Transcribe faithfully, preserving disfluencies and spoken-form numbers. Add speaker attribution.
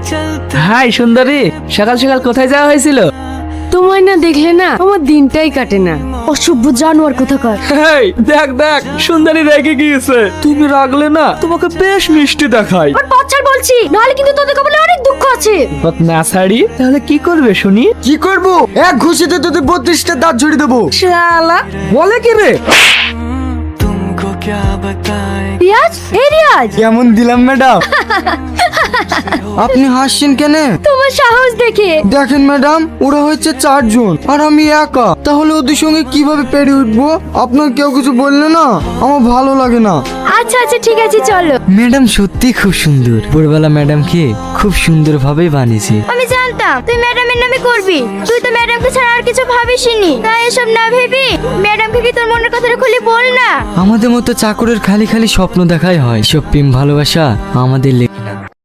Speaker 1: High সুন্দরী, সকাল সকাল কোথায় যাওয়া হয়েছিল?
Speaker 2: তোমায় না দেখলে না আমার দিনটাই কাটে না। অসভ্য জানোয়ার কোথাকার।
Speaker 1: হেই দেখ দেখ, সুন্দরী রেগে গিয়েছে। তুমি রাগলে না তোমাকে বেশ মিষ্টি দেখায়।
Speaker 2: আর বাচ্চার বলছি, নাহলে কিন্তু তোদের কপালে অনেক দুঃখ আছে।
Speaker 1: না ছাড়ি তাহলে কি করবে শুনি?
Speaker 3: কি করব? এক ঘুষিতে তোদের বত্রিশটা দাঁত ঝরিয়ে দেবো।
Speaker 1: শালা বলে কি রে?
Speaker 2: রিয়াজ, এই রিয়াজ,
Speaker 3: কেমন দিলাম ম্যাডাম? আপনি হাসছেন কেন?
Speaker 2: তোমার সাহস দেখে।
Speaker 3: দেখেন ম্যাডাম, ওরা হচ্ছে চারজন আর আমি একা, তাহলে ওদের সঙ্গে কিভাবে পেরে উঠবো? আপনার কেউ কিছু বললে না আমার ভালো লাগে না।
Speaker 2: আচ্ছা আচ্ছা ঠিক আছে চলো।
Speaker 4: ম্যাডাম সত্যি খুব সুন্দর। ভোরবেলা ম্যাডামকে খুব সুন্দর ভাবে বানিয়েছে।
Speaker 2: আমি জানতাম তুই ম্যাডামের নামে করবি। তুই তো ম্যাডামকে ছাড়া আর কিছু ভাবিসনি। তাই এসব না ভেবি ম্যাডামকে কি তোর মনের কথাটা খুলে বল না।
Speaker 4: আমাদের মতো চাকরের খালি খালি স্বপ্ন দেখাই হয়। সব প্রেম ভালোবাসা আমাদের